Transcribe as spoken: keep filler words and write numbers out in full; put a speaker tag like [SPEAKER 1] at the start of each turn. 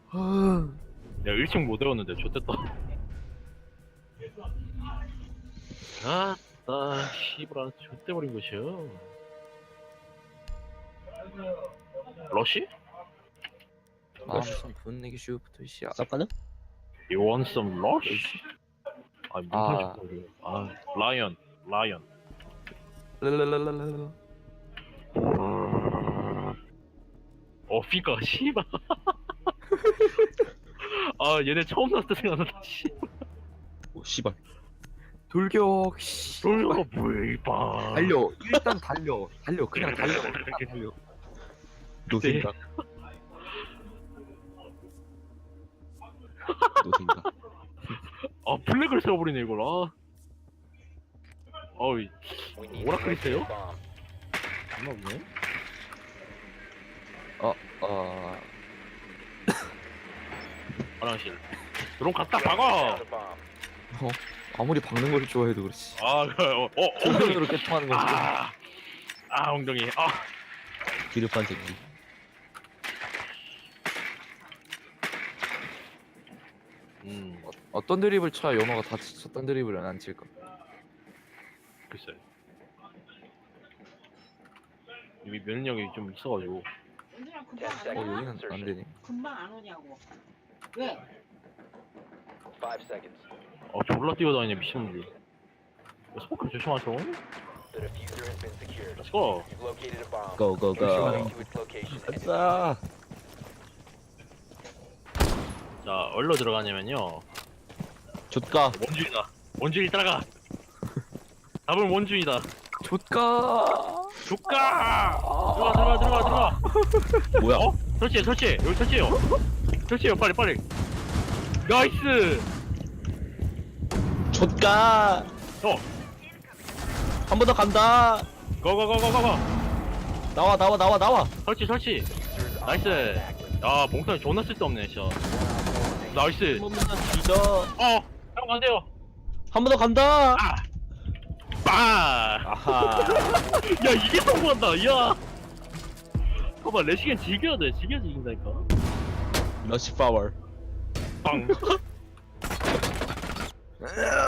[SPEAKER 1] 내가 일 층 못 외웠는데 좋댔다. 아따 씨발 좋대버린 것이여. 러시?
[SPEAKER 2] 마음속 분내기 슈부터 시작.
[SPEAKER 3] 쌉가는?
[SPEAKER 1] You want some rush? 아
[SPEAKER 2] 아.
[SPEAKER 1] 문탄식 아 라이언 라이언.
[SPEAKER 2] 랄랄랄랄랄.
[SPEAKER 1] 어 피가 씨발. 아 얘네 처음 나왔을 때 생각난다 씨.
[SPEAKER 3] 오 씨발.
[SPEAKER 2] 돌격. 씨.
[SPEAKER 1] 돌려가 뭐야 이봐.
[SPEAKER 2] 달려. 일단 달려. 달려. 그냥 달려. 그냥 달려.
[SPEAKER 3] 노생각. 노생각.
[SPEAKER 1] 아 블랙을 세워버리네 이걸. 아 어이 오락글이세요? 장난 없네.
[SPEAKER 2] 어, 어.
[SPEAKER 1] 화장실 드론 갖다 박아.
[SPEAKER 2] 어. 아무리 박는 걸 좋아해도 그렇지.
[SPEAKER 1] 아 어, 어 엉덩이.
[SPEAKER 2] 엉덩이로 깨통하는 거지.
[SPEAKER 1] 아, 아 엉덩이. 아
[SPEAKER 3] 기르판 새끼.
[SPEAKER 1] 음
[SPEAKER 2] 어, 어떤 드립을 쳐야 연어가 다 쳤던 드립을 안 칠까?
[SPEAKER 1] 글쎄 이미 면역력이 좀 있어가지고.
[SPEAKER 4] 은준아 금방
[SPEAKER 2] 어,
[SPEAKER 4] 안 오냐?
[SPEAKER 2] 여기는 안 되네.
[SPEAKER 4] 금방 안 오냐고. 왜?
[SPEAKER 5] Five seconds.
[SPEAKER 1] 어 졸라 뛰어다니네 미친놈들. 스포크 조심하죠.
[SPEAKER 5] The diffuser has been secured.
[SPEAKER 1] Let's go.
[SPEAKER 5] You've located a bomb.
[SPEAKER 3] Go go
[SPEAKER 5] Proceed
[SPEAKER 3] go.
[SPEAKER 5] to its location and
[SPEAKER 3] 아싸.
[SPEAKER 1] 자 얼로 들어가냐면요.
[SPEAKER 3] 좆가.
[SPEAKER 1] 원준이다. 원준이 따라가. 답은 원준이다.
[SPEAKER 2] 좆가.
[SPEAKER 1] 조까. 들어가 들어가 들어가 들어가.
[SPEAKER 3] 뭐야?
[SPEAKER 1] 어? 설치해 설치해 여기 설치해요. 설치해요 빨리 빨리. 나이스.
[SPEAKER 3] 좆가.
[SPEAKER 1] 어.
[SPEAKER 3] 한 번 더 간다.
[SPEAKER 1] 고고고고고고.
[SPEAKER 3] 나와 나와 나와 나와.
[SPEAKER 1] 설치 설치.
[SPEAKER 5] diffuser is
[SPEAKER 1] 나이스.
[SPEAKER 5] online and active.
[SPEAKER 1] 야 몽탄이 존나 쓸데없네 진짜. 나이스.
[SPEAKER 3] 한 번만 뒤져.
[SPEAKER 1] 어. 형 안돼요.
[SPEAKER 3] 한 번 더 간다.
[SPEAKER 1] 아. 빠.
[SPEAKER 3] 아하.
[SPEAKER 1] 야 이게 성공한다. 야. 봐봐 레시겐 즐겨야 돼. 즐겨야 이긴다니까.
[SPEAKER 3] 러시 파워.
[SPEAKER 1] 빵.